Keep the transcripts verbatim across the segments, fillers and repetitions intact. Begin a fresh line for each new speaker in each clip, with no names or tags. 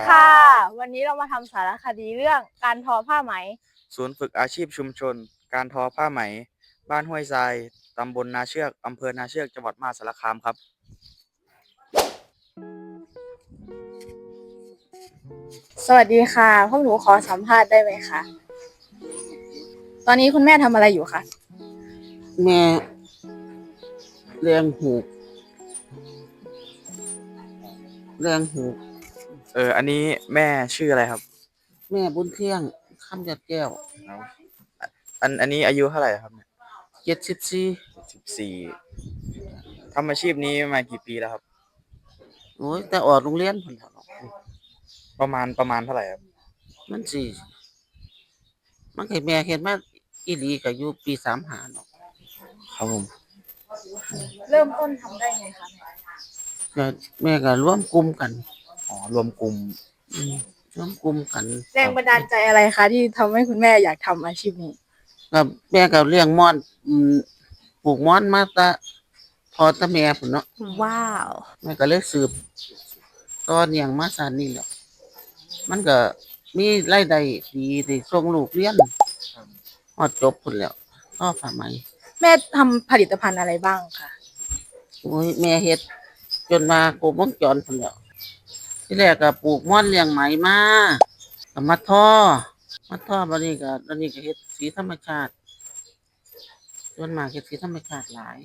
ค่ะ วันนี้เรามาทำสารคดีเรื่องการทอผ้าไหม
ศูนย์ฝึกอาชีพชุมชนการทอผ้าไหมบ้านห้วยทรายตำบลนาเชือกอำเภอนาเชือกจังหวัดมหาสารคามครับ
สวัสดีค่ะพวกหนูขอสัมภาษณ์ได้ไหมคะตอนนี้คุณแม่ทำอะไรอยู่คะ
แม่เลี้ยงหูกเลี้ยงหูก
เอออันนี้แม่ชื่ออะไรครับ
แม่บุญเที่ยงคำยัดแก้ว
อันอันนี้อายุเท่าไหร่ครับเนี่ย
เจ็ดสิบสี่
สิบสี่ทำอาชีพนี้มากี่ปีแล้วครับ
โอ้ยแต่ออกโรงเรียนพุ่นแล้วเนาะ
ประมาณประมาณเท่าไหร่ครับ
มันสิมันให้แม่เฮ็ดมาอีหลีก็อยู่ปีสามห้าเนาะ
ครับผม
เริ่มต้นทำได้ไงคะ
ก็แม่ก็ร่วมกลุ่มกัน
อ๋อรวมกลุ่ม
อืมร่วมกลุ่มกัน
แรงบันดาลใจอะไรคะที่ทำให้คุณแม่อยากทำอาชีพนี้
ก็แม่ก็เลี้ยงม่อนอืมปลูกม่อนมาแต่พ่อแต่แม่พุ่นเนาะ
ว้าว
แม่ก็เลยสืบต่อเนื่องมาซานนี้แหละมันก็มีรายได้ดีที่ส่งลูกเรียนฮอดจบพุ่นแล้วทอผ้าไหม
แม่ทำผลิตภัณฑ์อะไรบ้างคะ
โอ้ยแม่เฮ็ดจนมาครบวงจรพุ่นแล้วที่แรกก็ปลูกม่อนเลี้ยงไหมมาก็มาทอมาทอบัดนี้ก็ตอนนี้ก็เฮ็ดสีธรรมชาติจนมากเฮ็ดสีธรรมชาติหลาย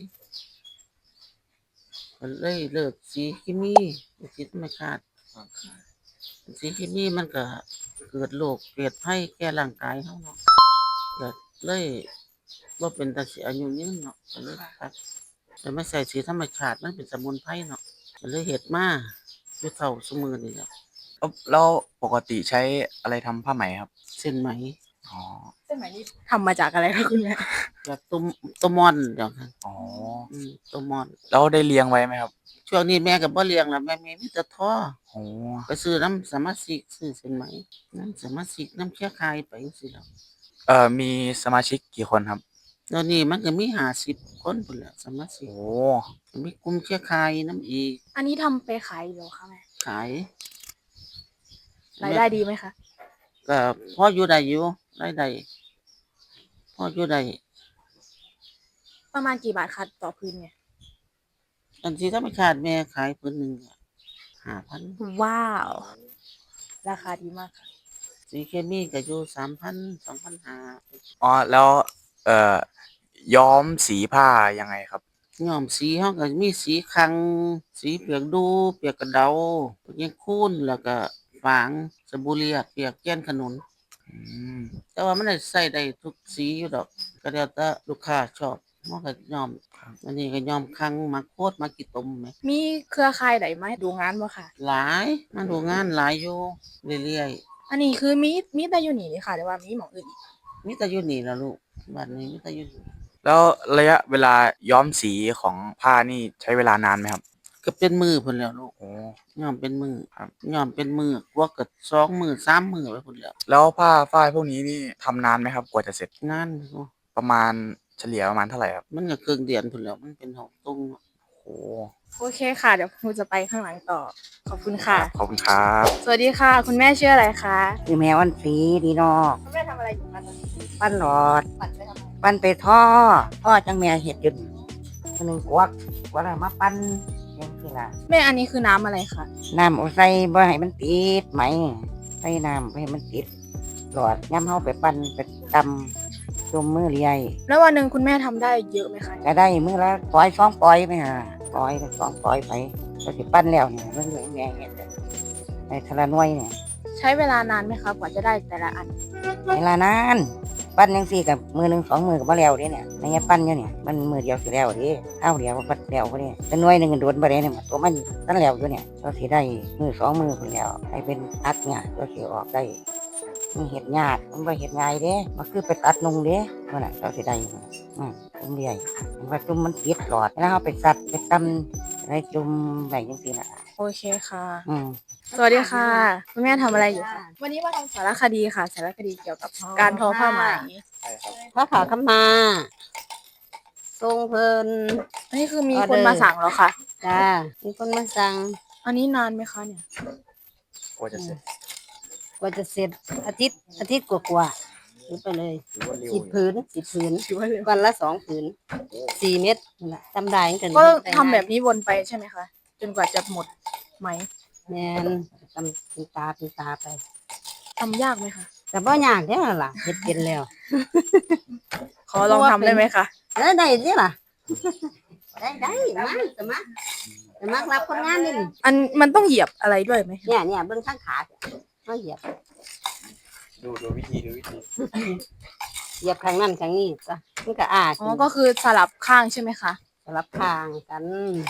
ก็เลยเลิกสีเคมีเฮ็ดสีธรรมชาติสีเคมีมันก็เกิดโรคเกิดภัยแก่ร่างกายเฮาเนาะก็เลยบ่เป็นตาสิอายุยืนเนาะก็เลยตัดแต่ไม่ใส่สีธรรมชาติมันเป็นสมุนไพรเนาะก็เลยเฮ็ดมาอยู่เท่าซุมื้อนี้แหละ
แล้วแล้วปกติใช้อะไรทำผ้าไหมครับ
เส้นไหม
อ๋อ
เส้นไหมนี่ทำมาจากอะไรคะคุณแม่
จากต้มต้มม่อนเดี๋ยวนั้น
อ๋อ
อืมต้มม่อน
แล้วได้เลี้ยงไว้ไหมครับ
ช่วงนี้แม่ก็บ่เลี้ยงแล้วแม่มีมีแต่ท่อ
โอ้
ไปซื้อน้ำสมาชิกซื้อเส้นไหมน้ำสมาชิกน้ำเครือข่ายไปจังซี่แหล้ว
เอ่อมีสมาชิกกี่คนครับ
ตอนนี้มันก็มีห้าสิบคนพุ่นแหล้วสมาชิก
โอ้
มีกลุ่มเครือข่ายนำอีก
อันนี้ทำไปขายอยู่คะแม่
ขาย
รายได้ดีไหมคะ
ก็พออยู่ได้อยู่รายได้พออยู่ได้
ประมาณกี่บาทคะต่อพื้นเนี่ย
อันที่ธรรมชาติแม่ขายพื้นหนึงก็ห้าพัน
ว้าวราคาดีมากค่ะ
สีเคมีก็อยู่สามพัน สองพันห้าร้อย
อ๋อแล้วเอ่อย้อมสีผ้ายังไงครับ
ย้อมสีเฮาก็มีสีคังสีเปียกดูเปียกกระเดาเปียกคูนแล้วก็ฝางสบู่เลียดเปียกแก้นขนุน
อืม
แต่ว่ามันได้ใช้ได้ทุกสีอยู่ดอกก็แล้วแต่ลูกค้าชอบเฮาก็ย้อมอันนี้ก็ย้อมคังมักโพดมักขี้ตมแหม
มีเครือข่ายใดมาดูงานบ่ค่ะ
หลายมาดูงานหลายอยู่เรื่อย
อันนี้คือมีมีแต่อยู่นี่ค่ะแต่ว่ามีหม้องอื่นอีก
ๆมีแต่อยู่นี่ล่ะลูกบ้านนี้มีแต่อยู่นี่
แล้วระยะเวลาย้อมสีของผ้านี่ใช้เวลานานไหมครับ
ก็เป็นมื้อพุ่นแล้วลูก
โอ้
ย้อมเป็นมื้อ
ครับ
ย้อมเป็นมื้อกว่าก็สองมื้อสามมื้อไปพุ่นแล้ว
แล้วผ้าฝ้ายพวกนี้นี่ทำนานไหมครับกว่าจะเสร็จ
นานอยู่
ประมาณเฉลี่ยประมาณเท่าไหร่ครับ
มันก็ครึ่งเดือนพุ่นแหล้วมันเป็นหกตุงเนาะ
โอ้
โอเคค่ะเดี๋ยวครูจะไปข้างหลังต่อขอบคุณ
ค
ค่ะ
รับขอบคุณครับ
สวัสดีค่ะคุณแม่ชื่ออะไรคะ
คือแม่วันสีดีเนาะ
คุณแม่ทำอะไรอยู่คะตอนนี้
ปั้นหลอด
ปั่นไปทำไม
ปั้นไปท่อท่อจังแม่เห็ดอยุดคนหนึ่งกวักกวักแล้วมาปั้นยังคือล่ะ
แม่อันนี้คือน้ำอะไรคะ
น้ำเอาใส่บ่ให้มันติดไหมใส่น้ำบ่ให้มันติดหลอดย้ำเฮาไปปั้นไปตำจมมือเลีย
แล้ววันหนึ่งคุณแม่ทำได้เยอะไหมคะ
ก็ได้มือละปล่อยสองปล่อยไปหาปล่อยไปสองปล่อยไปก็สิปั้นแล้วเนี่ยเรื่องแม่เห็ดในทะละน้อยเนี่ย
ใช้เวลานานไหมคะกว่าจะได้แต่ละอัน
เวลานานปั้นยังสี่กับมือหนึ่งสองมือกับมาแล้วเด้เนี่ยในเงี้ยปั้นอยู่เนี่ยมันมือเดียวสิแล้วเด้เท่าเดียวปั้นแล้วก็เนี่ยเป็นน้อยหนึ่งโดนไปเลยเนี่ยตัวมันตั้งแล้วอยู่เนี่ยก็สิได้มือสองมือคนแล้วให้เป็นตัดเนี่ยก็สิออกได้มีเห็ดหยาดมันไปเห็ดง่ายเด้มันคือไปตัดนงเด้นั่นแหละก็สิได้อืมจุ่มเลี้ยมันว่าจุ่มมันติดหลอดแล้วเอาไปตัดไปตำอะไรจุ่มอะไรยังสี่ละ
โอเคค่ะ
อืม
สวัสดีค่ะคุณแม่ทำอะไรอยู่คะวันนี้มาทำสารคดีค่ะสารคดีเกี่ยวกับการทอผ้าไหม
พระขาขมาทรงเพิ่น
อันนี้คือมีคนมาสั่งแล้วค่ะ
จ้ามีคนมาสั่ง
อันนี้นานไหมคะเนี่ย
กว่าจะเสร็จ
กว่าจะเสร็จอาทิตย์อาทิตย์กว่าๆหรือไปเลย
ถือว่าเร็ว
สิบผืนสิบผืน
ถือว่าเร็ว
วันละสองผืนสี่เม็ดนั่นแหละจำได้กัน
ก็ทำแบบนี้วนไปใช่ไหมคะ จนกว่าจะหมดไหม
แมนทำเป็นตาเป็นตาไป
ทำยากไหมคะ
แต่บ่ยากเด้อล่ะเฮ็ดเป็นแล้ว
ขอลองทำได้ไหมคะ
เออได้สิล่ะ ได้ได้มาสมัครสมัครรับคนงานนี่
อันมันต้องเหยียบอะไรด้วยไหม
เนี่ยเนี่ยเบิ่งข้างขาเขาเหยียบ
ดูดูวิธีดูวิธี
เหยียบข้างนั้นข้างนี้จ้ะมันก็อาด
อ๋อ ก็คือสลับข้างใช่ไหมคะ
สลับข้างกัน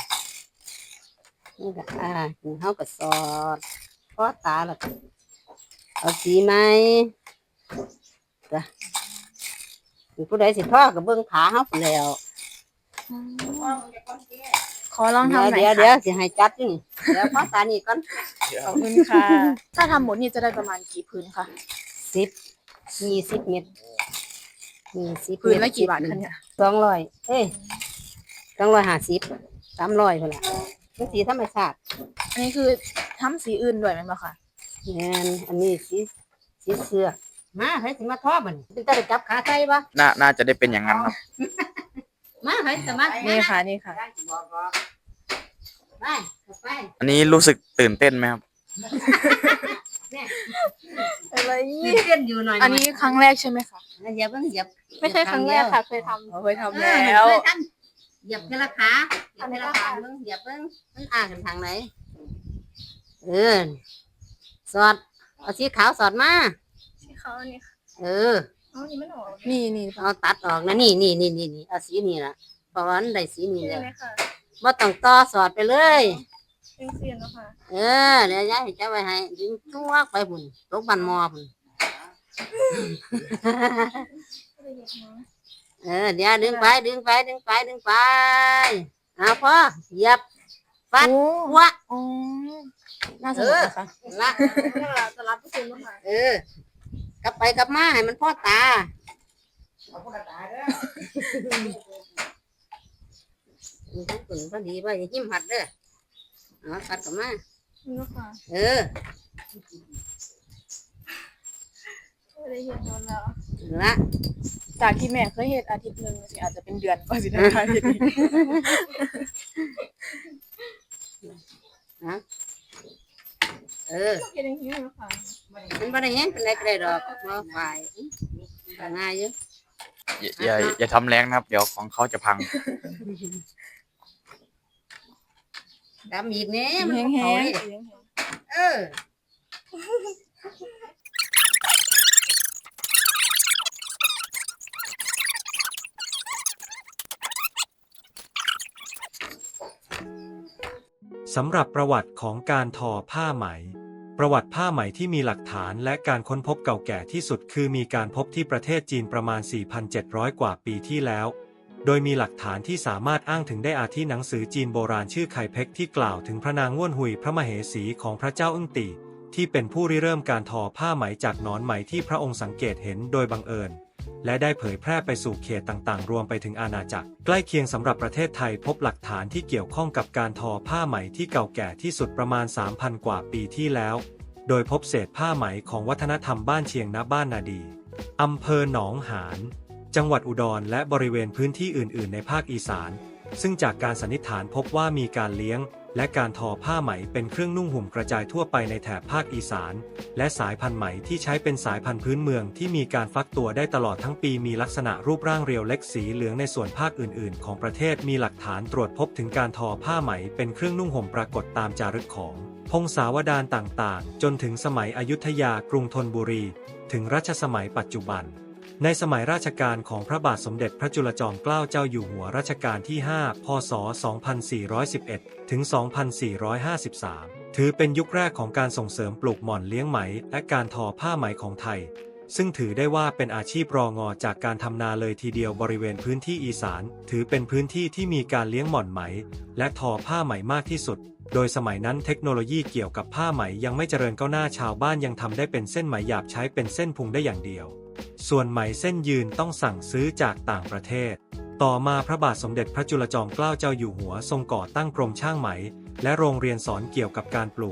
มันก็อาดเฮาก็สอดพอตาแล้วก็เอาสีไหมจ้ะผู้ใดสิทอก็เบิ่งขาเฮาพู้นแล้ว
ขอลองทำหน่อย
เดี๋ยวเดี๋ยว
ค่ะ
สิให้จัดอยู่นี่เดี๋ยวพอตานี่ก่อน
ขอบคุณค่ะ ถ้าทำหมดนี่จะได้ประมาณกี่พื้นคะ
สิบยี่สิบเม็ดยี่สิบ
พื้นละกี่บาทคะเนี่ย
สองร้อยเอ้ยสองร้อยห้าสิบสามร้อยพุ่นละมันสีธรรมชาติ
อันนี้คือทำสีอื่นด้วยไหมคะ
แม่นอันนี้สีสีเสือกมาให้สิมาทอบัดนเป็นตาได้จับขาใส่ปะ
น่าน่าจะได้เป็นอย่างนั้นครับ
มาให้สมัคร
นี่ค่ะ นี่ค่ะ
ไปเข้าไป
อันนี้รู้สึกตื่นเต้นไหมครับ
อะไร
ยืดเต้นอยู่หน่อย
อันนี้ครั้งแรกใช่ไหมคะ
เหยียบเพิ่งเหยียบ
ไม่ใช่ครั้งแรกค่ะ เคยทำเคยทำ
เอ
แล้
อ
ว
เคยทำเหยียบเทละขาเหยียบเทละขาเพิ่งเหยียบเพิ่งมันอ่ากันทางไหนเออสอดเอาสีขาวสอดมา
ที่เขานี่ค่ะ
เออ
อ๋อนี่มันออกนี่นี่
เอาตัดออกนะนี่นี่นี่นี่นี่เอาสีนี่ล่ะเพราะว่ามันได้สีนี่
ใช่
แล้ว
ไหมคะ
บ่ต้องต่อสอดไปเลย
เป็นเสียนแล้วค่ะ
เออเดี๋ยวยายจะไว้ให้ดึงตัวไปพุ่นตกบันมอพุ่นเออเดี๋ยวดึงไปดึงไปดึงไปดึงไปเอาพอเหยียบฟัด
โอ้
หัว
อ๋อน่าสนุกนะคะ
ละ
สลับทุกคนแล้วค่ะ
เออกลับไปกลับมาให้มันพ่อตาทั้งปุ่นพอดีว่าอย่าหิ้มหัดเด้อเอาตัดกลับมา
นี่ค่ะ
เออ
ไม่ได้เห็นนานแล้ว
ละ
จากที่แม่เคยเห็นอาทิตย์หนึ่งสิอาจจะเป็นเดือนกว่าสิได้ค่ะทีนี้
นะเออ
เห็นอย่างนี้แล้วค่ะ
มันบ่ได้แห้งเป็นไรก็ได้ดอกบ่ฝ่ายก็ง่ายอยู่
อย่าอย่าอย่าทำแรงนะครับ เดี๋ยวของเขาจะพัง
ดำอีกแน่มัน
แห้ง
บ่
แห้
เข้าง เลยเออ
สำหรับประวัติของการทอผ้าไหม ประวัติผ้าไหมที่มีหลักฐานและการค้นพบเก่าแก่ที่สุดคือมีการพบที่ประเทศจีนประมาณ สี่พันเจ็ดร้อย กว่าปีที่แล้ว โดยมีหลักฐานที่สามารถอ้างถึงได้อาทิหนังสือจีนโบราณชื่อไคเพ็กที่กล่าวถึงพระนางง่วนหุยพระมเหสีของพระเจ้าอึ้งตี่ที่เป็นผู้ริเริ่มการทอผ้าไหมจากหนอนไหมที่พระองค์สังเกตเห็นโดยบังเอิญ และได้เผยแพร่ไปสู่เขตต่างๆ รวมไปถึงอาณาจักรใกล้เคียงสำหรับประเทศไทยพบหลักฐานที่เกี่ยวข้องกับการทอผ้าไหมที่เก่าแก่ที่สุดประมาณ สามพัน กว่าปีที่แล้ว โดยพบเศษผ้าไหมของวัฒนธรรมบ้านเชียงณบ้านนาดีอำเภอหนองหานจังหวัดอุดรและบริเวณพื้นที่อื่นๆ ในภาคอีสานซึ่งจากการสันนิษฐานพบว่ามีการเลี้ยงและการทอผ้าไหมเป็นเครื่องนุ่งห่มกระจายทั่วไปในแถบภาคอีสานและสายพันธุ์ไหมที่ใช้เป็นสายพันธุ์พื้นเมืองที่มีการฟักตัวได้ตลอดทั้งปีมีลักษณะรูปร่างเรียวเล็กสีเหลืองในส่วนภาคอื่นๆ ของประเทศมีหลักฐานตรวจพบถึงการทอผ้าไหมเป็นเครื่องนุ่งห่มปรากฏตามจารึกของพงศาวดารต่างๆจนถึงสมัยอยุธยากรุงธนบุรีถึงรัชสมัยปัจจุบันในสมัยราชการของพระบาทสมเด็จพระจุลจอมเกล้าเจ้าอยู่หัวรัชกาลที่ ห้า พ.ศ. สองพันสี่ร้อยสิบเอ็ด ถึง สองพันสี่ร้อยห้าสิบสาม ถือเป็นยุคแรกของการส่งเสริมปลูกหม่อนเลี้ยงไหมและการทอผ้าไหมของไทยซึ่งถือได้ว่าเป็นอาชีพรองอจากการทำนาเลยทีเดียวบริเวณพื้นที่อีสานถือเป็นพื้นที่ที่มีการเลี้ยงหม่อนไหมและทอผ้าไหมมากที่สุดโดยสมัยนั้นเทคโนโลยีเกี่ยวกับผ้าไหมยังไม่เจริญก้าวหน้าชาวบ้านยังทำได้เป็นเส้นไหมหยาบใช้เป็นเส้นพุงได้อย่างเดียวส่วนไหมเส้นยืนต้องสั่งซื้อจากต่างประเทศต่อมาพระบาทสมเด็จพระจุลจอมเกล้าเจ้าอยู่หัวทรงก่อตั้งกรมช่างไหมและโรงเรียนสอนเกี่ยวกับการปลูก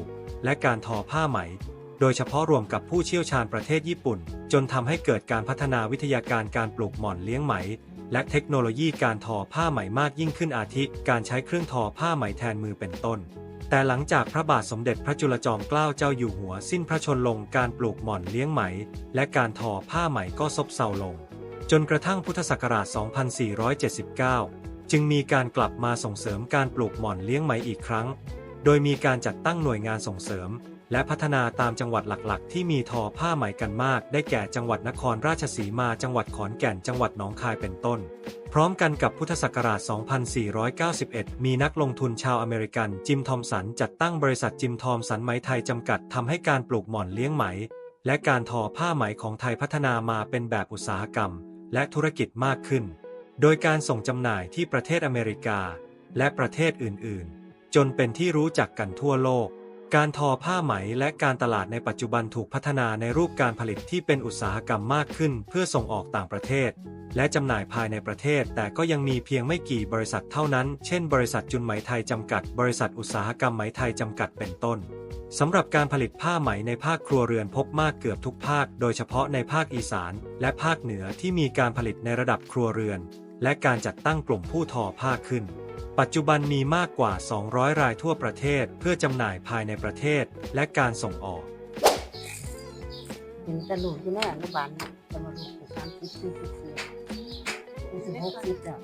และการทอผ้าไหมโดยเฉพาะรวมกับผู้เชี่ยวชาญประเทศญี่ปุ่นจนทำให้เกิดการพัฒนาวิทยาการการปลูกหม่อนเลี้ยงไหมและเทคโนโลยีการทอผ้าไหมมากยิ่งขึ้นอาทิการใช้เครื่องทอผ้าไหมแทนมือเป็นต้นแต่หลังจากพระบาทสมเด็จพระจุลจอมเกล้าเจ้าอยู่หัวสิ้นพระชนม์ลงการปลูกหม่อนเลี้ยงไหมและการทอผ้าไหมก็ซบเซาลงจนกระทั่งพุทธศักราช สองพันสี่ร้อยเจ็ดสิบเก้า จึงมีการกลับมาส่งเสริมการปลูกหม่อนเลี้ยงไหมอีกครั้งโดยมีการจัดตั้งหน่วยงานส่งเสริมและพัฒนาตามจังหวัดหลักๆที่มีทอผ้าไหมกันมากได้แก่จังหวัดนครราชสีมาจังหวัดขอนแก่นจังหวัดหนองคายเป็นต้นพร้อมกันกับพุทธศักราช สองพันสี่ร้อยเก้าสิบเอ็ด มีนักลงทุนชาวอเมริกันจิมทอมสันจัดตั้งบริษัทจิมทอมสันไหมไทยจำกัดทำให้การปลูกหม่อนเลี้ยงไหมและการทอผ้าไหมของไทยพัฒนามาเป็นแบบอุตสาหกรรมและธุรกิจมากขึ้นโดยการส่งจำหน่ายที่ประเทศอเมริกาและประเทศอื่นๆจนเป็นที่รู้จักกันทั่วโลกการทอผ้าไหมและการตลาดในปัจจุบันถูกพัฒนาในรูปการผลิตที่เป็นอุตสาหกรรมมากขึ้นเพื่อส่งออกต่างประเทศและจำหน่ายภายในประเทศแต่ก็ยังมีเพียงไม่กี่บริษัทเท่านั้นเช่นบริษัทจุนไหมไทยจำกัดบริษัทอุตสาหกรรมไหมไทยจำกัดเป็นต้นสำหรับการผลิตผ้าไหมในภาคครัวเรือนพบมากเกือบทุกภาคโดยเฉพาะในภาคอีสานและภาคเหนือที่มีการผลิตในระดับครัวเรือนและการจัดตั้งกลุ่มผู้ทอผ้าขึ้นปัจจุบันมีมากกว่าสองร้อยรายทั่วประเทศเพื่อจำหน่ายภายในประเทศและการส่งออก
เห็นแต่ลูกอยู่ในอนุบาลนะแต่มาลูกสามสิบสี่สิบสี่สี่สิบหกสิบแล้ว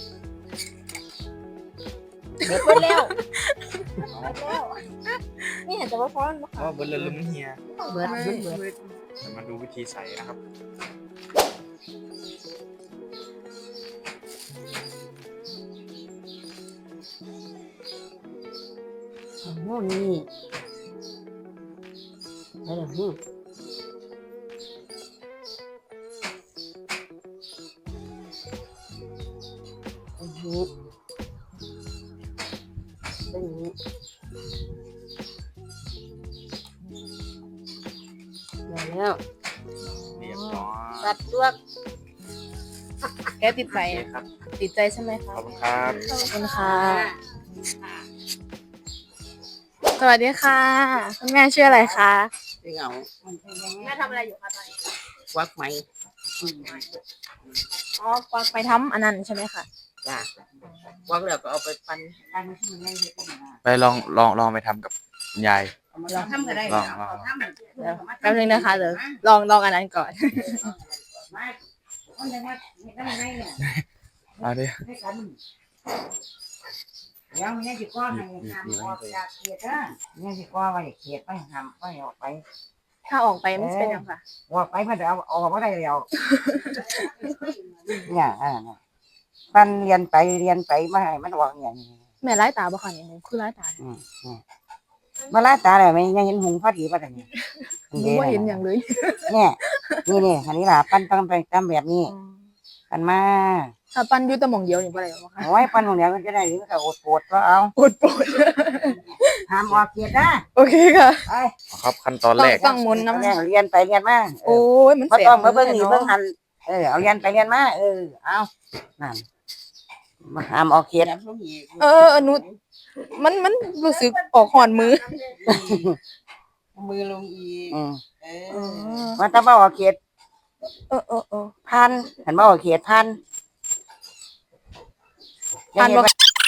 เด็กคนแล้วแล้วนี่เห็นแต่ว่าพร้อม
อ๋อเบิร์ดเลยลืมเฮีย
เบิดเบิดเบิด
จะมาดูวิธีใส่นะครับ
โน่นนี่ไปเดี๋ยวนี้อันนี้อันนี้ได้แล้ว
เรียบร้อย
ตัดตัว
แกติดใจ
โอเคครับ
ติดใจใช่ไหม
ข
คะ
อบคุณครับ
ขอบคุณค่ะ สวัสดีค่ะคุณแม่ชื่ออะไรคะ
เหงา
แม่ทำอะไรอยู่คะตอนนี้
วักไหม
อ๋อควักไปทำอันนั้นใช่ไหมคะ
จ้ะวักแล้วก็เอาไปปั้น
ไปลองลองลองไปทำกับยาย
เราทำก็ได้
ลองลอง
แป๊บนึงนะคะเดี๋ยวลองลองอันนั้นก่อน
เอาดิ
เดี๋ยวมันยังสิก้อนให้ทำออกจากเขตนะยังสิก้อนไว้เขตไปทำไปออกไป
ถ้าออกไปมันจะเป็นยังไงคะ
ออกไปมันจะเอาออกมาได้แล้วเนี่ยอ่าปันเรียนไปเรียนไปมาให้มันออกเนี่ย
แม่ไล่ตาบ่คะนี่คือไล่ตา
อืมมาลาตาเลยไม่ยังเห็นหงพอดีป่ะเนี่ย
หนูว่าเห็นอย่างเลย
เนี่ยนี่นี่อันนี้ล่ะปั้นต้องไปทำแบบนี้กันมา
ถ้าปั้นอยุตะหมองเดียวนี่บ่ได้บ่คะ
โอ้ยปั้นตรงเนี้ยมันจะได้หรือมันก็อดปวดก็เอา
ปวดปวด
ห้ามออกเกียรตินะ
โอเคค่ะ
ไป
ครับขั้นตอนแรก
ต้องหมุนน้ำ
เรียนเรียนไปเรียนมา
โอ้ยมัน
พอ
เสีย
ต้องมาเบิ่งนี่
เนาะ
เบิ่งหันเออเอาเรียนไปเรียนมาเออเอานั่นมาห้ามออกเกียรติ
เอออนุมันมันรู้สึกออกหอนมือ
มือลงอีก
อืม
เอ
เอ
อ
อ
ว่าถ้าบ่ออกเกียรติ
เออเออเออ
พันเห็นบ่ออกเกียรติพัน
พันบ่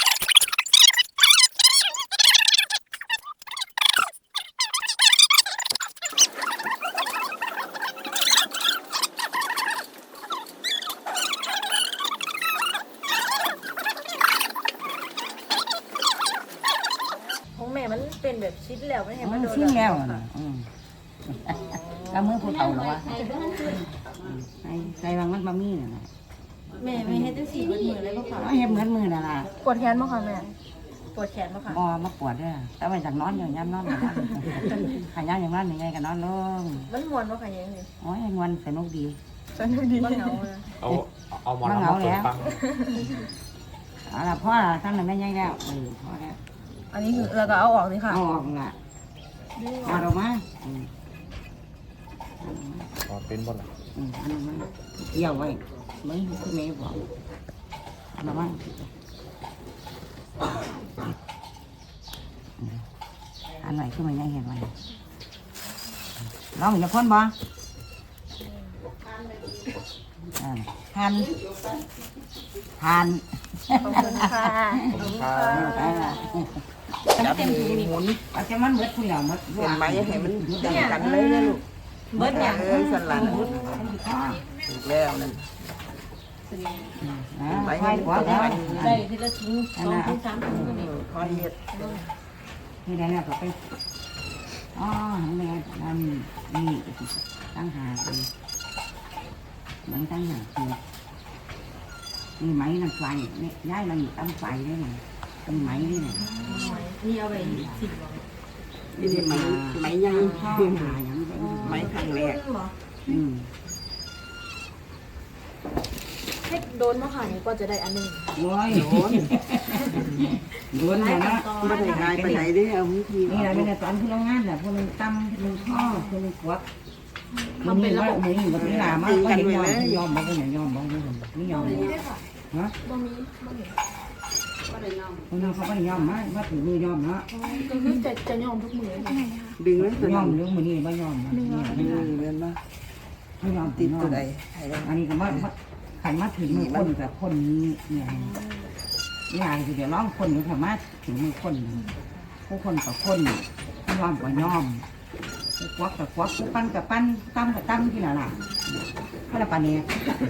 ของแม่มันเป็นแบบชิ้นแล้วไม่เห็น
มั
มัน นโดน
ชิมแล้วน่ะอืมก็มือผู้เฒ่าแล้ววะใส่ใส่บางมันบะมี่น่ะนะ
แม่ไม่เห็นจังสี่เบิดมือเลยบ่ค่ะ
เอาเฮ็ดเหมือนมือน่ะล่ะ
ปวดแขนบ่ค่ะแม่ปวดแขนบ่ค่ะ
บ่มาปวดเด้อแต่ว่าจากนอนอยู่ยามนอนอยู่ขายามอย่างนั้นยังไงก็นอนลง
มันม่วนบ่ค่ะยังไง
โอ้ยงวนสนุกดี
สนุกดีบ่เหงาเลย
เอาเอาหมอน
มาเห
เอา
งา
มาเปิ
แล้
ด
ว
ฟัง
เอาล่ะพ่อล่ะท่านน่ะแม่ใหญ่แล้วเออพ่อแล้ว
อันนี้คือแล้วก็เอาออกสิค่ะ
เอาออกล่ะเอาออกมาอืม
อ๋อเป็นบ่ล่ะ
อืมอันนั้นมันเกี่ยวไว้ไม่คือแม่บอกเอาออกมาหอันไหนขึ้นมายังเห็นไหมลองอย่าพ่นบ่อ่าทานทาน
ขอบคุณค่ะ
จับมือหมุน
เอาจะมันเบิดคุณเหล่ามัด
เห็นไหมให้มันดังกันเลยนะลูก
เบิดอย่าง
เออสลันถูกแล้วนั่น
ไปให้หัวแล้ว
ได้ทีละถุงสองถุงสามถุงก็มี
คอยเฮ็ด
นี่ได้แล้วก็ไปอ๋อนี่นั่นนี่ตั้งหาคือมันตั้งหาคือนี่ไหมนั่นไฟนี่ย้ายมันอยู่ตั้งไฟได้ไงเป็นไหมนี่ไง
นี่เอาไปสิบ
นี่นี่ไหมไหมยัง
ข้าวหาอย่างนี้
ไหมครั้งแรก
อืม
ให้โดนมาค่ะนี่ก็จะได้อันหนึง
โอ้ยโดนโดนเลยนะ
ไม่ได้หายไปไหนเด้เอาวิธี
นี่แหละเป็นตอนที่โรงงานแหละพวกมันตั้มพวกมันข้อพวกมันกวักมันมีว่ามืออยู่กับเวลามากก็ยังยอมยอมบอกว่าอย่ายอมบอกว่าไม่ยอมฮะ
บ่มีบ่เห็น
ก็ได้น้อง
คนนั้นเขาไม่ยอมนะว่าถือมือยอมนะ
ก็คือจะจะยอมทุกมื้อค่ะ
ดึงไว้ตัวย
อ
นั้
ม
น
เรื่องมือนี่ไม่ยอมนะ
ดึงเรียนมา
ไม่ยอม
ติ
ติ
ด
ด
ตั
ตัว ว
ใด
ใด
ให้ได้
อันนี้ก็ว่าขันมาถึงมือคนแต่คนนี้เนี่ยนี่อะไรคือเดี๋ยวร้องคนอยู่สามารถถึงมือคนผู้คนกับคนยอมกับยอมควักกับควักปั้นกับปั้นตั้มกับตั้มที่ไหนล่ะพระปานี่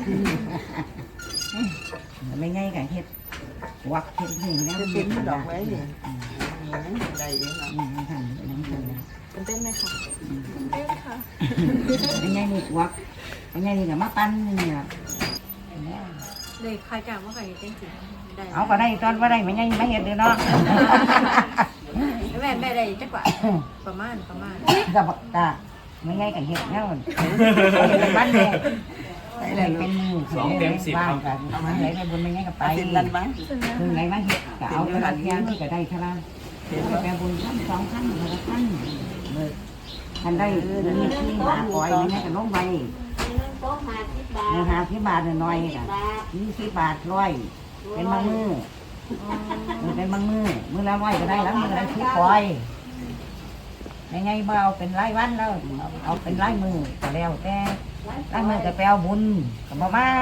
ไม่ง่ายกับเฮ็ดวักเฮ็ดนี่แล้ว
จะเป็นดอกไม้เนี่ยได้ยังไง
อืมนั่นนั่นนั่นนั่น
ตื่นเต้นไหมคะตื่นเต้นค่ะ
ไม่ง่ายนี่วักไม่ง่ายนี่กับมาปั้นนี่เนี่ย
เลยใครจ้างว่าใครเต้นสิได้
เอาก็ได้ตอนว่าได้ไม่ง่ายไม่เห็นเด้อเนาะ
แม่แม่ได้จักว่าประมาณประมาณ
ก็บอกตาไม่ง่ายกับเฮ็ดแล้วเป็นบ้านเลยได้เป็นมือสองเต็มสิบเอากันเอามาไหนไปบนไม่ง่ายกับไป
เป็นนันบ้าง
คือไหนมาเฮ็ดก็เอากระเทียมที่ก็ได้เท่านั้นแปลบุญท่านสองท่านคนละท่านเลยท่านได้เงินที่บาทปล่อยไม่ง่ายกับลงไป
โต๊ะห้าสิบบาท
เงินหาที่บาทน้อยๆค่ะยี่สิบบาทร้อยเป็นบางมือเป็นบางมือมือละร้อยก็ได้แล้วมือละที่ปล่อยยังไงบ่เอาเป็นรายวันแล้วเอาเป็นรายมือก็แล้วแต่รายมือก็แปลบุญกับบ่มา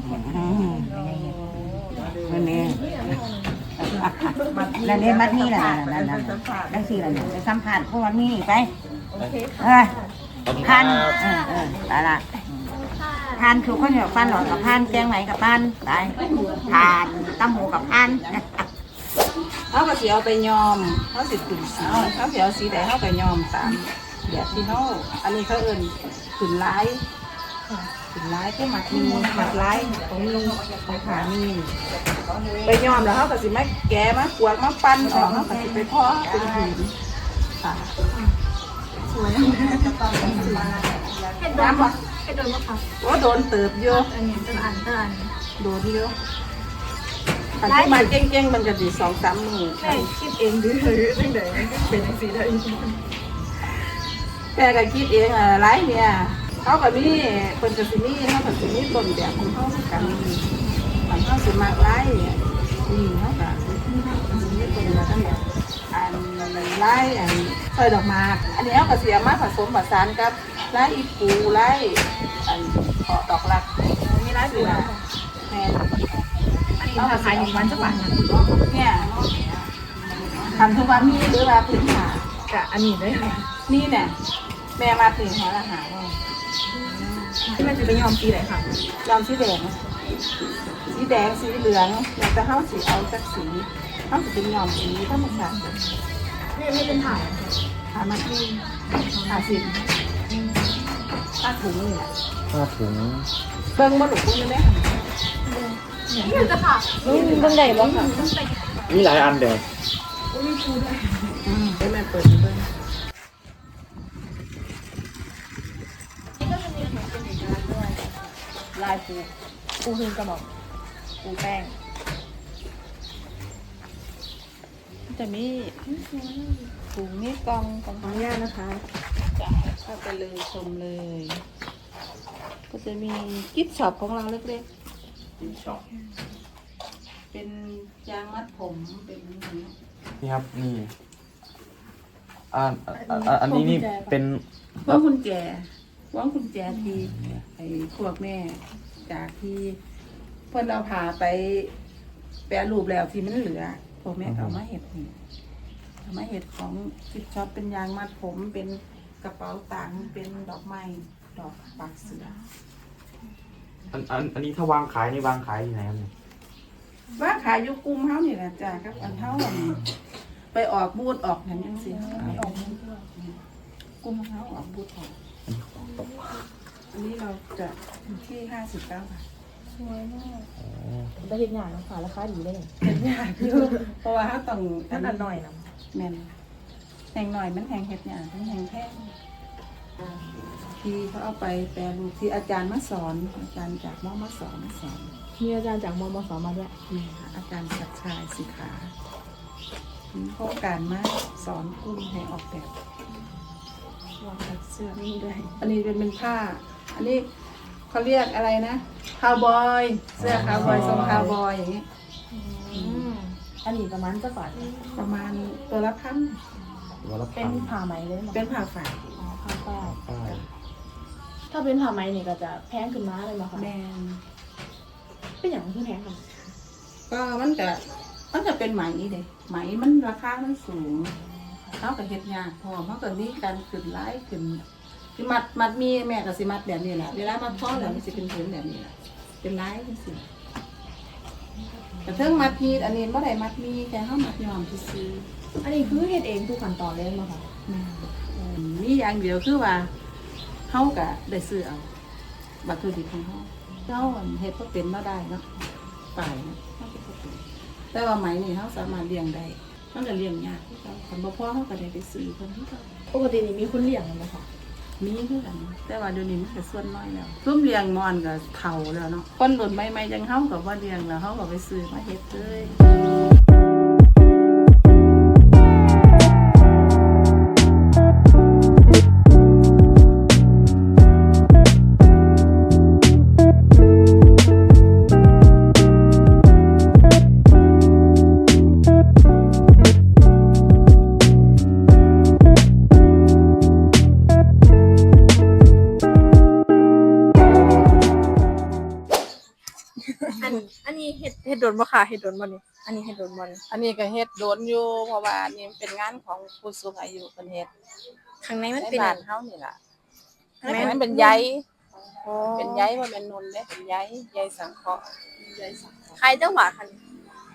นั่นเองนั่นเองมัดนี่แหละนั่นนั่นนั่นสี่ละไปสัมผัสพวกมันนี่ไปเออพันเออเออตายละทานคือข้าวเหนียวฟันหลอดกับพันแกงไหมกับพันไปทานตำหูกับพัน
เขาก็สิเอาไปยอมเขาสิขึ้นสีเขาสิเอาสีใดเขาก็ยอมตามแบบที่เขาอันนี้เขาเอิ้นขึ้นลายขึ้นลายที่หมักมีหมักลายของลุงของขามีไปยอมแล้วเขาก็สิมาแกะมากวดมาปั้นออกเขาก็สิไปเพาะเป็นผืนค่ะ
เฮ็ดโดนบ่เฮ็ดโดนบ่ค่ะ
ว่าโดนเติบเยอะ
อันนี้เป็นอันเป็นอัน
โดนเยอะอันที่มาเก่งๆมันก็ดีสองสามมือ
แม่คิดเองดื้อจังได๋เป็นจังซี่ได้
แม่ก็คิดเองอ่ะไรเนี่ยเขาก็มีคนก็สิมีเขาก็สิมีต้นแบบของเขากันบางเขาสิมากไรเนี่ยนี่เขาก็สิมีต้นแบบทั้งแบบอันไรอันซอยดอกหมากอันนี้เขาก็เสียมาผสมผสานกับไรอีปูไรอันขอดอกรัก
มีหลายสูตร
แม่
อันนี้ราคาอยู่วันจักบาทนะ
เนี่ยทำทุกวันมีหรือว่าพื้นหาก
ะอันนี้เลยค่ะ
นี่เนี่ยแม่มาถึงหาอาหารว่า
ที่แม่จะไปยอมปีไหนค่ะ
ยอมสีแดงสีแดงสีเหลืองอยากจะเข้าสีเอาจากสีเข้าสีเป็นยอมสีธรรมชาติ
ไม่ไม่เป็นถ่าย
หามาที่หาสิบผ้าถุงนี่แหละ
ผ้าถุง
เบิ้งมาหลุดปุ้งได้ไหม
นี่จะค่ะอืมเบิ่งได้บ่ค่ะ
มีหลายอันเดียว
อืมได้แม่เปิดเบิ้ง
นี่ก็จะมีของเป็นเอกลักษณ์ด้วยลายปูปูคืนกระบอกปูแป้งจะมีถุงนี่กองกองของย่านะคะ
เข้าไปเลยชมเลย ก็จะมีกิฟต์ช็อปของเราเล็กๆเป็นยางมัดผมเป็นอย่างนี้
นี่ครับนี่อ่าอ่าอ่าอันนี้นี่เป็น
พวงกุญแจพวงกุญแจที่ไอ้พวกแม่จากที่เพิ่นเอาผ่าไปแปรรูปแล้วที่มันเหลือพวกแม่ก็เอามาเฮ็ดนี่เอามาเฮ็ดของกิฟช็อปเป็นยางมัดผมเป็นกระเป๋าตังค์เป็นดอกไม้ดอกปักเสือ
อันอันอันนี้ถ้าวางขายนี่วางขายที่ไหนครับเนี่ย
ว่าขายอยู่กลุ่มเฮานี่แหละจ้ะกับอันเฮาอันไปออกบูธออกนั่นจังซี่ไปออกบูธกลุ่มเฮาออกบูธออกอันนี้เราจะอยู่ที่ห้าสิบเก้าบาท
สวยมากได้เห็นอย่างนะค่ะราคาดีได้เลย
เป็นยากอยู่เพราะว่าเฮาต้อง
ท่านอันหน่อยนะ
แม่นแหงหน่อยมันแหงเฮ็ดยากมันแหงแพงที่เขาเอาไปแปรรูปที่อาจารย์มาสอนอาจารย์จากมอมาสอนมาสอน
มีอาจารย์จากมมสมาด้วย
นี่ค่ะอาจารย์ศักดิ์ชายสิขามีโครงการมาสอนกลุ่มให้ออกแบบวางแบบเสื้อนี่ด้วย อันนี้เป็นเป็นผ้า อันนี้เขาเรียกอะไรนะคาวบอยเสื้อคาวบอยทรงคาวบอยอย่างนี้
อันนี้ประมาณจะบาท
ประมาณตัวละพัน
วันละ
เป็
พั
น
น
ผ้าไหมเลยมั้ง
เป็นผ้าฝ่าย
อ๋อผ้าฝ้าย
ป้าย
ถ้าเป็นผ้าไหมนี่ก็จะแพงขึ้นมาเลยมั้งคะ
แมน
เป็นอย่างที่แพงค่ะ
ก็มันจะมันจะเป็นไหมเด้ไหมมันราคามันสูงเขากับเฮ็ดยากพอเพราะตอนนี้การขึ้นไล่ขึ้นคือมัดมัดมีแม่ก็สิมัดแบบนี้แหละเวลามัดท้อแล้วมันสิเป็นผืนแบบนี้แหละเป็นไล่จังซี่แต่เทิงมัดมีอันนี้บ่ได้มัดมีแค่เฮามัดย้อมซื่อ
อันนี้คือเฮ็ดเองทุกขั้นตอนเลยมั้งคะ
ๆแม่นอืมมีอย่างเดียวคือว่าเฮาก็ได้ซื้อเอาวัตถุดิบของเฮาเฮาอันเฮ็ดบ่เป็นบ่ได้เนาะป่ายเนาะเฮาเฮ็ดบ่เป็นแต่ว่าไหมนี่เฮาสามารถเลี้ยงได้มันก็เลี้ยงยากคือเก่าคันบ่พอเฮาก็ได้ไปซื้อเพิ่นคือเก่า
ปกตินี่มีคนเลี้ยงไหมคะ
มีคือกันแต่ว่าเดี๋ยวนี้มันก็ส่วนน้อยแล้วซุ่มเลี้ยงมอนก็เฒ่าแล้วเนาะคนรุ่นใหม่ๆจังเฮาก็บ่เลี้ยงแล้วเฮาก็ไปซื้อมาเฮ็ดเลย
อันอันนี้เฮ็ดเฮ็ดโดนบ่ค่ะเฮ็ดโดนบ่นี่อันนี้เฮ็ดโดนบ่นี่
อันนี้ก็เฮ็ดโดนอยู่เพราะว่าอันนี้เป็นงานของผู้สูงอายุเพิ่นเฮ็ด
ข้างในมัน
ใน
เป็น
บ้า
อั
น
น
เฮานี่ล่ะ
ข้างใน
แม่
มัน
นเป็นใย
อ๋อ
เป็นใยบ่แม่นนนเด้เป็นใยใยสังเคราะห์ใยสังเคราะห์
ขายจังหวะค่ะนี่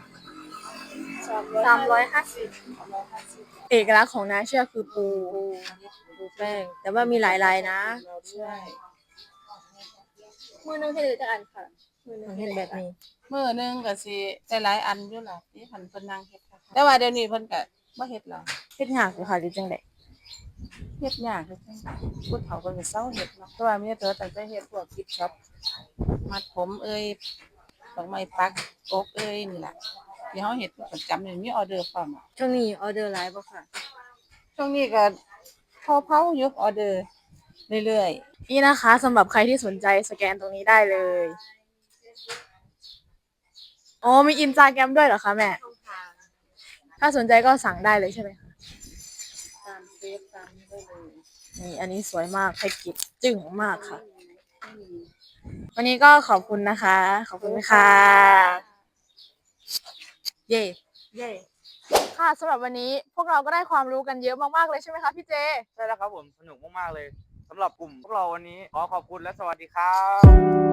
สามร้อยห้าสิบเอกลักษณ์ของน้าเชื่อคือปูปูแป้ง แต่ว่ามีหลายลายนะ
ใช่
มือนึงเฮ็ดจักอันค่ะมือนึงเฮ็ดแบบนี้
มื้อหนึงก็สิได้หลายอันอยู่ล่ะที่เพิ่นเพิ่นนั่งเฮ็ดค่ะแต่ว่าเดี๋ยวนี้เพิ่นก็บ่เฮ็ดแล้ว
เฮ็ดยากอยู่ค่ะหรือจังได๋
เฮ็ดยากคือจังผู้เฒ่าเพิ่นก็เซาเฮ็ดเนาะเพราะว่ามีแต่ตั้งแต่เฮ็ดพวกกิฟต์ช็อปมัดผมเอ่ยดอกไม้ปักกกเอ่ยนี่ล่ะที่เฮาเฮ็ดประจำนี่มีออเดอร์พร้อมอะ
ช่วงนี้ออเดอร์หลายบ่ค่ะ
ช่วงนี้ก็เผาๆอยู่ออเดอร์เรื่อยๆ
นี่นะคะสำหรับใครที่สนใจสแกนตรงนี้ได้เลยอ๋อมีอินสตาแกรมด้วยเหรอคะแม่ ถ้าสนใจก็สั่งได้เลยใช่ไหมคะ
ตามเฟซตามนี้ได้เลย
นี่อันนี้สวยมากให้กิบจึ้งมากค่ะ วันนี้ก็ขอบคุณนะคะ ขอบคุณค่ะ เย่เย่ค่ะสำหรับวันนี้พวกเราก็ได้ความรู้กันเยอะมากๆเลยใช่ไหมคะพี่เจ
ใช่แล้วครับผมสนุกมากๆเลยสำหรับกลุ่มพวกเราวันนี้ขอขอบคุณและสวัสดีครับ